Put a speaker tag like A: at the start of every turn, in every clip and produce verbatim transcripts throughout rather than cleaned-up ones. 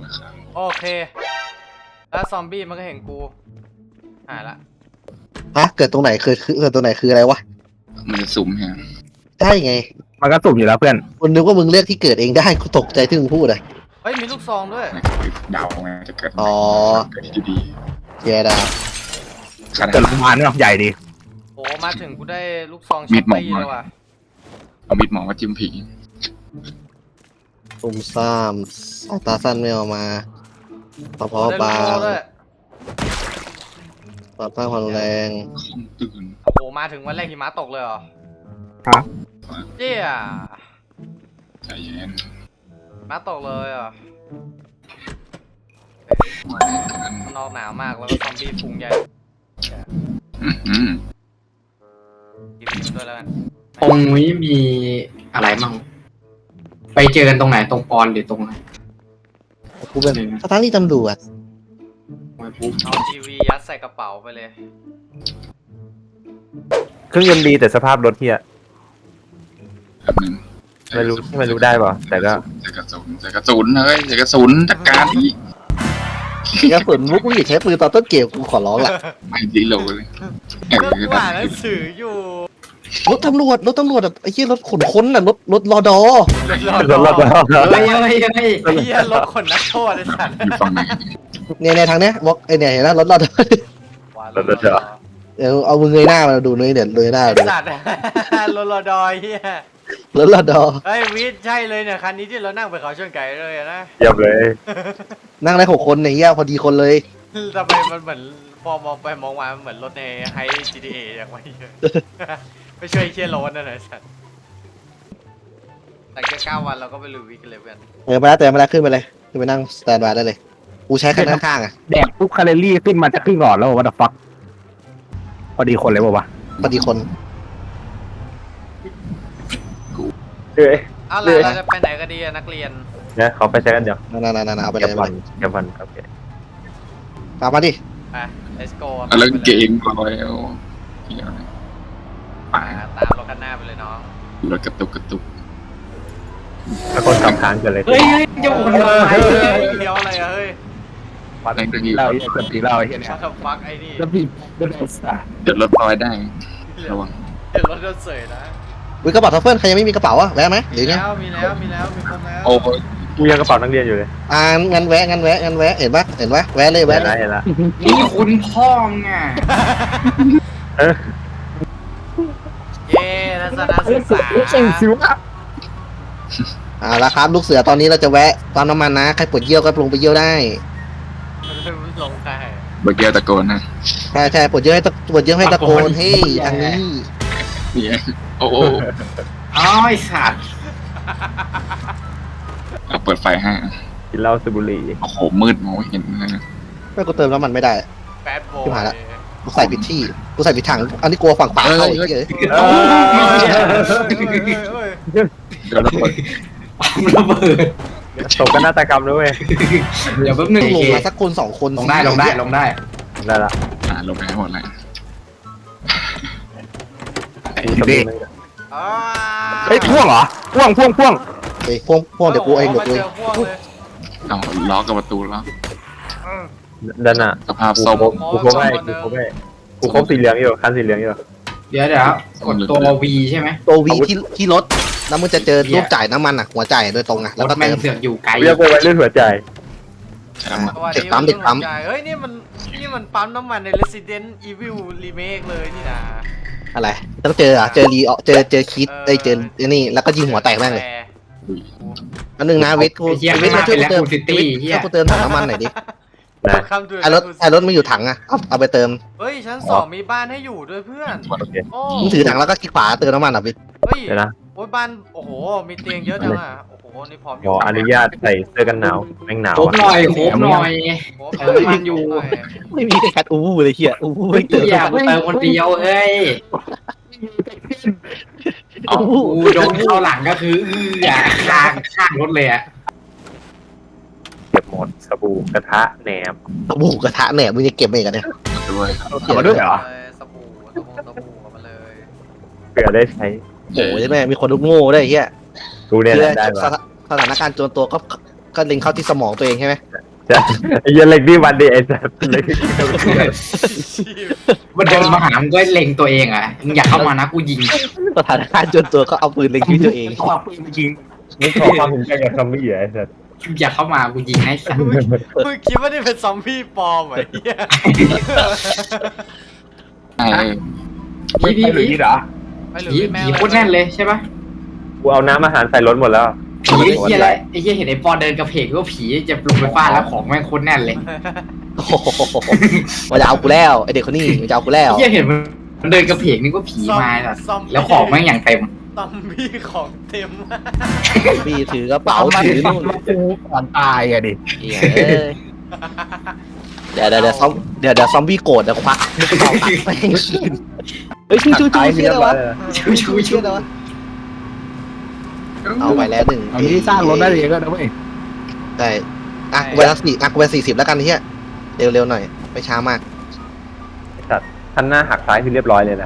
A: โอเคแล้วซอมบี้มันก็เห็นกูหายละ
B: ฮะเกิดตรงไหนคือคือเกิดตรงไหนคืออะไรวะ
C: มันจะสุ่มฮะ
B: ใช่ไง
D: มันก็สุ่มอยู่แล้วเพื่อน
B: คนนึกว่ามึงเลือกที่เกิดเองได้กูตกใจที่มึงพูดเลย
A: เฮ้ยมีลูกซองด้วย
C: เดาไงจะเกิด
B: อ๋อ
C: เกิดที่ดี
B: แย่ดา
D: เกิดโรงพยาบาลเนาะใหญ่ดี
A: โอ้มาถึงกูได้ลูกซองช็อปปี้แล้วว่ะ
C: เอามิดหมอมาจิ้มผี
B: ตุ่มซ่ามสายตาสั้นไม่ออกมาพอพอบางต่อต้านความแรง
C: คอมตื่น
A: โอ้โหมาถึงวันแรกหิมะตกเลยเหรอ
D: ฮะ
A: เจี๊ย
C: ใจเย็น
A: มาตกเลยเหรอมันออกหนาวมากแล้วก็ซอมบี้ฟุ้งใหญ่
C: อืม
A: กินไปด้วยแล้วกัน
E: ตรงนี้มีอะไรมั่งไปเจอกันตรงไหนตรงปอนหรือตรงไหน
B: กูเป็นสถานีตำรวจ
A: เอาทีวียัดใส่กระเป๋าไปเลย
D: เครื่องยนต์ดีแต่สภาพรถเฮีย
C: แบบนึง
D: ไม่รู้ไม่รู้ได้ป่ะแต่ก็
C: ใส่กระสุนใส่กระสุนเลยใส่กระสุนจัดการที่
B: กระสุนมุกมึงอย่าใช้ปืนตอนต้นเกมกูขอร้องละ
C: ไม่ดีโลเลย
A: ก็กูอ่านหนังสืออยู่
B: รถตำรวจรถตำรวจแบบไอ้เหี้ยรถขนค้นน่ะรถรถรอดอ
A: รถรอดอ
E: เฮ้ยเฮ้ยเฮ้ย
A: ไอ้เหี้ยรถขนนักโทษไอ้สัตว์
C: อยู่ฝั่งไหน
B: เนี่ยในทางเนี้ยบอกไอ้เนี่ยเห็นแล้วรถรอดอ
D: รถรอดอ
B: เดี๋ยวเอามือเงยหน้ามาดูเลยเดี๋ยวเงยหน้าดู
A: สัตว์รถรอดอเหี้ย
B: รถรอดอ
A: เฮ้ยวิทย์ใช่เลยเนี่ยคันนี้ที่เรานั่งไปเขาชนไก่เลยนะ
D: เยี่ยมเลย
B: นั่งได้หกคนในเหี้ยพอดีคนเลย
A: ทำไมมันเหมือนพอมองไปมองมามันเหมือนรถในไฮ จี ที เอ อย่างไรไม่ช่วยเชี่ยโรนนั่นเลยสัตว์แต่แค่เก้าวันเราก็ไปลุยวิกเลยเพื่อน
B: เออมาแล้วแต่มาแล้วขึ้นไปเลยขึ้นไปนั่งสแตนบายได้เลยกูใช้คันข้างๆอ่ะ
D: แดกปุ๊บคาเลรี่ขึ้นมาจะครึ่งหลอดแล้ววะเดอะฟักพอดีคนเลยป่าวะ
B: พอดีคน
D: เฮ้ย
A: เอาล่ะเราจะไปไหนกันดีนักเรียน
D: เนี่ยเขาไปใช้กันเดี๋ยว
B: นั่นๆๆเอาไปเลยไป
D: เก็บวันโอเค
B: ตามมาดิ
A: ไป let's go
C: แล้วเก่งลอยเอา
A: ป่าตามรถคันหน้าไปเลยน้อง
C: รถกระตุกกระตุก
D: ถ้าคนกำทางกันเลย
E: เฮ้ยเจ้าคน
A: เฮ้ยเดี๋ยวอะไรเฮ้ย
D: ฟักไอ้นี่เราเกิดตีเราไอ้เนี่ย
A: ฟักไอ้นี่
D: แล้วพี่เดินสาย
C: เดี๋ยวรถลอยได้ระวัง
A: เดี๋ยวรถโดนเสยนะ
B: วิกระเป๋าทัฟเฟิลใครยังไม่มีกระเป๋าอ่ะแวะไหมหรือไง
A: มีแล้วมีแล้วมีคนแล้ว
C: โอ้ย
D: กูยังกระเป๋านักเรียนอยู่เลย
B: อ่างั้นแวะงั้นแวะงั้นแวะเห็นปะเห็นปะแวะเลยแวะเลย
D: เห็นละ
E: นี่คุณพ่อไง
A: เย้ทัศนศึกษา
D: เก่งสิวะ
B: อ่าแล้วครับลูกเสือตอนนี้เราจะแวะปั๊มน้ำมันนะใครปวดเยี่ยวก็ลงไปเยี่ยวได้
A: ลงได้
C: เมื่อกี้ตะโกนนะ
B: ใช่ใช่ปวดเยี่ยวให้ปวดเยี่ยวให้ตะโกนเฮ้ยทางนี้
C: เนี่ยโอ้โห
E: อ๋อไอสัตว์
C: เอาเปิดไฟให้
D: กินเหล้าสูบบุหรี่
C: โอ้โหมืดมองไม่เห็นเลย
B: ไม่กูเติมน้ำมันไม่ได้
A: แปดโว
B: ที่ผ่านละกูใส่ผิดที่กูใส่ผิดถังอันนี้กลัวฝั่งป่าเข้าอีกเลย
C: เดี๋ยวระเบิด
E: ระเบิด
D: ตกกันนาฏกรรมด้วย
E: เดี๋ยวแป๊บนึง
B: ลงมาสักคนสองคน
E: ลงได้ลงได้ลงได้
D: ได้ละ
C: อ่าลงไปให้หมดเลย
D: เฮ้ยพ่วงเหรอพ่วงพ่วงพ่วง
B: เฮ้ยพ่วงพ่วงเดี๋ยวกูเองเดี๋ยวกูเอง
C: เอาล็อกกับประตูแล้ว
D: ด้านหน้า
C: สภาพส้ม
D: กูครบให้กูครบให้กูครบสีเหลืองอยู่คันสีเหลืองอยู่
E: เดี๋ยวเดี๋ยวกดตัว V ใช่ไหม
B: ตัว V ที่ที่รถแล้วมึงจะเจอรูปจ่ายน้ำมันอ่ะหัวจ่ายโดยตรงอ่ะแล้วก็เติม
E: เสือกอยู่ไกล
D: เรียกว่าเรื่องหัวใจ
B: เด็กปั๊มเด็กปั๊ม
A: เฮ้ยนี่มันนี่มันปั๊มน้ำมันใน Resident Evil Remake เลยนี่นะ
B: อะไรต้องเจออ่ะเจอรีเจอเจอคิดเอ้ยเจอนี่แล้วก็ยิงหัวแตกแม่งเลยอันนึงนะวิทย์กูวิทย์มาช่วยกูเติมช่วยกูเติมถังน้ำมันหน่อยดิไอรถไอรถไม่อยู่ถังอ่ะเอาเอาไปเติม
A: เฮ้ยชั้นสองมีบ้านให้อยู่ด้วยเพื่อน
B: มึงถือถังแล้วก็คลิกขวาเติมน้ำมันอ่ะวิทย์
A: เฮ้ยโอ้ยบ้านโอ้โหมีเตียงเยอะจังอ่ะโอ้โหนี่พร้อมอยู่
D: ขออนุญาตใส่เสื้อกันหนาวแม่งหนาว
E: โคบหน่อยโคบหน่อยเติมมันอยู่
B: ไม่มีแคทอู้วูเลยเฮียอู้วูไม่เติม
E: อยากเติมคนเดียวเอ้ยโอ้โหโดนเข้าหลังก็คืออยากข้างข้างรถเลยอะ
D: เก็บหมดสบู่กระทะแหนม
B: สบู่กระทะแหนมมึงจะเก็บเองกันเนี่ย
C: ด้วย
D: เอามาด้วยเหรอ
A: สบู่สบู่สบู่เอามาเลย
D: เผื่อได้ใช้
B: โอ้ยแม่มีคนลุกโง่ได้เฮีย
D: ดูเนี่ยได้
B: สถานการณ์โจรตัวก็ก็เล็งเข้าที่สมองตัวเองใช่ไหม
D: ไอ้เหี้ยเล็กนี่วันดีไอ้สัสเล็ก
E: มันเดินมาหามึงก็เล็งตัวเองอ่ะมึงอยากเข้ามานะกูยิง
B: สถานการณ์จนตัวก็เอาปืนเล็งที่ตัวเอง
D: ความปืนจริงมึงขอความเห็นใจกับซอมบี้เหรอไอ้สัส
E: อยากเข้ามากูยิงให้สัตว์
A: มึงคิดว่านี่เป็นซอมบี้ปลอมเหรอไอ้เหี้ย
C: ไอ้
E: พี่พี่
D: ไม่หรือ
E: พี่
D: นี่เหรอ
A: ไม่หรือ
E: ผี
A: แม่
E: ผีโคตรแน่นเลยใช่ปะ
D: กูเอาน้ำอาหารใส่รถหมดแล้ว
E: ผีไอ้เหี้ยอะไรไอ้เหี้ยเห็นไอ้ปอนเดินกระเพกก็ผีจะลงไปฟาดแล้วของแม่งโคตรแน่นเลย
B: โอ้โหมันจะเอากูแล้วไอเด็กคนนี้มันจะเอากูแล้ว
E: ไอ้เหี้ยเห็นมันเดินกระเพกนี่ก็ผีมาสัตว์
A: ซอมบี้
E: แล้วของแม่งอย่างเต็ม
A: ซอมบี้ของเต็ม
B: พี่ถือกระเป๋าถือนู่น
D: กูก่อนตายอะดิ
B: เหี้ยเอ้ยเดี๋ยวเดี๋ยวเดี๋ยวซอมเดี๋ยวเดี๋ยวซอมบี้โกรธเดี๋ยวควักลูกกระเป๋าตัดแม่งคืนเฮ้ยชูชูชูเชี่ยอะไรวะ
E: ชูชูชู
B: เชี่ยอะไรวะเอาไปแล้วหนึ่ง
D: เอาที่สร้างรถได้เองก็นะเว้ย
B: ได้อ่ะกูไปสักสี่อ่ะกูไปสี่สิบแล้วกันเฮียเร็วๆหน่อยไม่ช้ามาก
D: คันหน้าหักซ้ายคือเรียบร้อยเลยนะ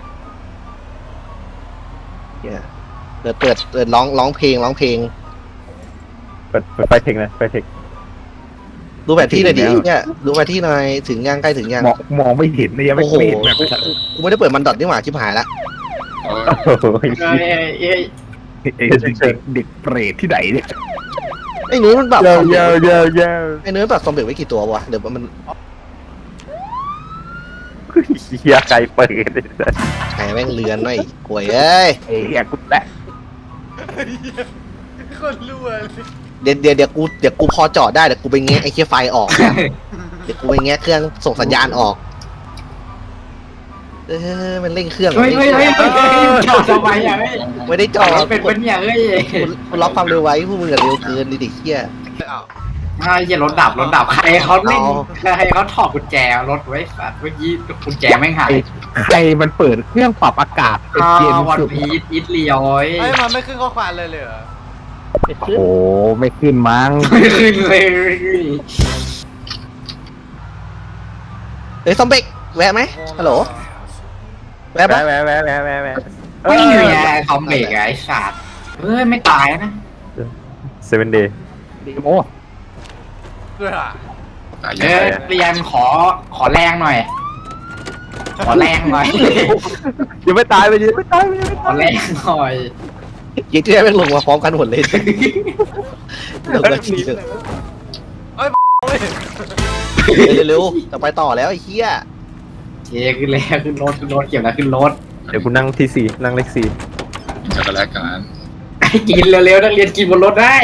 B: เฮียเปิดเปิดเปิดร้องร้องเพลงร้องเพลง
D: เปิดเปิดไฟเทคนะไฟเทค
B: ดูแผนที่หน่อยดิเนี่ยดูแผนที่หน่อยถึงยังใกล้ถึงยัง
D: มองมองไม่เห็นเลยยังไม่
B: โอ้โห
D: เห็นแบบ
B: กูไม่ได้เปิดมันดอทนี่หว่าชิบหายละ
C: เออ
D: โอ้โห
E: เอ้ยเอ้ย
D: เด็กเด็กเปรตที่ไหนเนี่ย
B: ไอ้นุ้ยมันแบบ
D: เยอะเยอะเยอะเยอะ
B: ไอ้นุ้ยแบบซอมเบกไว้กี่ตัววะเดี๋ยวมัน
D: เฮียไก่เปิดเลย
B: ไอ้แม่งเลือนหน่อยกวยเอ้ย
D: เฮียกูแตะ
A: คนรั่วเลย
B: เดี๋ยวเดี๋ยวเดี๋ยวกูเดี๋ยวกูพอจอดได้เดี๋ยวกูไปแงะไอ้เคียไฟออกเดี๋ยวกูไปแงะเครื่องส่งสัญญาณออกเออมันเร่งเครื่อง
E: เฮ้ยเฮ้ยเฮ้ยเฮ้ยเฮ้ยจอดทำไมอ่ะเฮ้ย
B: ไม่ได้จอด
E: เป็นเป็นเนี่ยเฮ้ย
B: กูกูล็อกความเร็วไว้พวกมึงอะเร็วเกินดิเด็กเคีย
A: อ้าว
E: ไอ้เหี้ยรถดับรถดับใครเขาเล่น
B: เอา
E: ใครเขาถอดกุญแจรถไว้สัตว์เมื่อกี้กุญแจแม่งหาย
D: ใครมันเปิดเครื่องปรับอากาศเป็น
E: อ่า
D: เย็น
E: วัน
D: สุด
E: พีทอิตเลียว
A: เฮ้ยมันไม่ขึ้นข้อความเลยเลยเหรอ
D: โอ้โหไม่ขึ้นมั้ง
E: ไม่ขึ้นเลย
B: เฮ้ยซอมเบกแวะไหมฮัลโหลแวะปะ
D: แวะแวะแวะแวะแวะ
E: ไม่มีไงคอมเบรกไอ้สัตว์เฮ้ยไม่ตายนะ
D: เซเว่นเดย์โอ้
A: เพื่อ
C: ตาย
E: เอ
C: เย
E: อ
C: อะ
E: เรียนขอขอแรงหน่อย ขอแรงหน่อย
D: ยังไม่ตายไปยังไม่ตายไปยังไม่
E: ขอแรงหน่อย
B: ยี่ที่แม่งลงมาพร้อมกันหมดเลยลงมาทีเดียว
A: เฮ้ย
B: เร็วๆจะไปต่อแล้วไอ้เคีย
E: เชขึ้นแล้วขึ้นรถขึ้นรถเก็บแล้วขึ้นรถ
D: เดี๋ยวกูนั่งที่สี่นั่งเลขสี่
C: จะกันแล้วกัน
E: ให้กินเร็วๆนักเรียนกินบนรถได้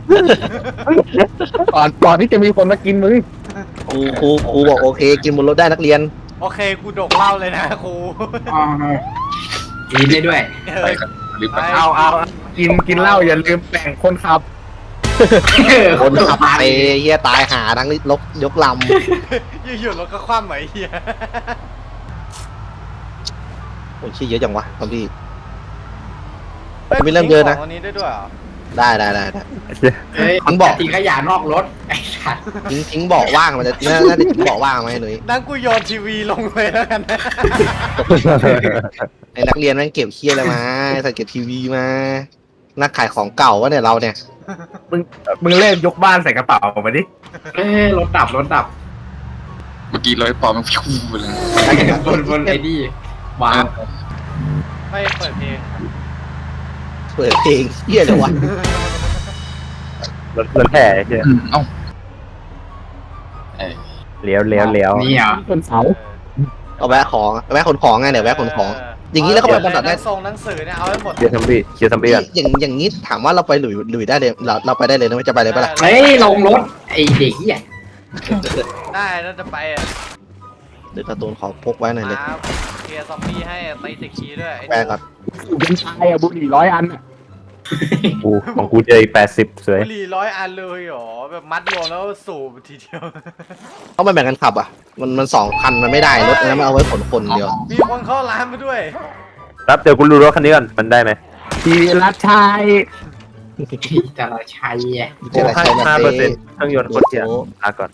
D: ก่อนก่อนที่จะมีคนมากินมึง
B: ครูครูครูบอกโอเค กินบนรถได้นักเรียน
A: โอเคกูดกเหล้าเลยนะครู
E: อ๋อกินได้ด้วย
C: ไปกันรีบไป
D: เอาเอากินกินเหล้าอย่าลืมแบ่งคนขับ
B: คนขับไปเฮียตายหาทั้งลกยกล
A: อยู่ๆรถก็คว่ำเหมือนไอ้เหี้ย
B: ำโอ้ยชี้เยอะจังวะซอมบี้
A: ฮ้ย
B: ไม่เริ่มเดินนะ
A: ของอันนี้ได้ด้วยเหรอ
B: ได้ได้ได้ได้
E: เฮ้ย
B: มันบอก
E: ทิ้งขยะนอกรถไอ้สัตว์
B: ทิ้งทิ้งเบาะว่างมันจะน่าน่าจะทิ้งเบาะว่างไหมหนุ่ย
A: นั่งกูโยนทีวีลงเลยแล้วกันนะ
B: ไอ้นักเรียนแม่งเก็บเคียอะไรมาใส่เก็บทีวีมานักขายของเก่าวะเนี่ยเราเนี่ย
D: มึงมึงเล่นยกบ้านใส่กระเป๋ามาดิ
E: เอ้ยรถดับรถดับ
C: เมื่อกี้ร้อยปอมันฟิวไปเลย
E: บนบนไอ้นี่วาง
A: ไม่เปิดเพลง
B: เปิดเพลงเฮียเลยวะ
D: รถรถแห่ใช่
C: อืมเอ้าเอ้ย
D: เลี้ยวเลี้ยวเลี้ยว
E: นี่เหรอ
D: ต้นเสา
B: เอาแวะของแวะขนของไงเดี๋ยวแวะขนของ อย่างนี้แล้วก็ไปบรรทัดได้
A: ส่งหนังสือเนี่ยเอาไว้หมด
D: เชียร์ซัมบี้เชียร์ซัมบี้กัน
B: อย่างอย่างนี้ถามว่าเราไปหลุยหลุยได้เลยเราเราไปได้เลยนะไม่จะไปเลยปะล่ะ
E: เฮ้ยลงรถไอ้เด็กเหี้ย
A: ได้แล้วจะไปอ่ะ
B: เดี๋ยวการ์ตูนขอพกไว้หน่อยเลย
A: มาเคลียร์ซอมบี้ให้ตีตะคีด้วยไอ้
B: แวะก่อน
D: เป็นชายอะบุหรี่ร้อยอันอะกูของกูเจออีกแปดสิบสวย
A: บุหรี่ร้อยอันเลยเหรอแบบมัดรวมแล้วสูบทีเดียว
B: ต้องไปแบ่งกันขับอ่ะมันมันสองคันมันไม่ได้รถอันนั้นมันเอาไว้ขนคนเดียว
A: มีคนเข้าร้านมาด้วย
D: ครับเดี๋ยวกูดูรถคันนี้ก่อนมันได้ไหมทีรัชชัย
E: แต่เราใช้อะ
B: เจออะไรใช้มา
D: ห้า
B: เต้
D: เปอร์เซ็นต์เครื่องยนต์คนเสียลาก่อน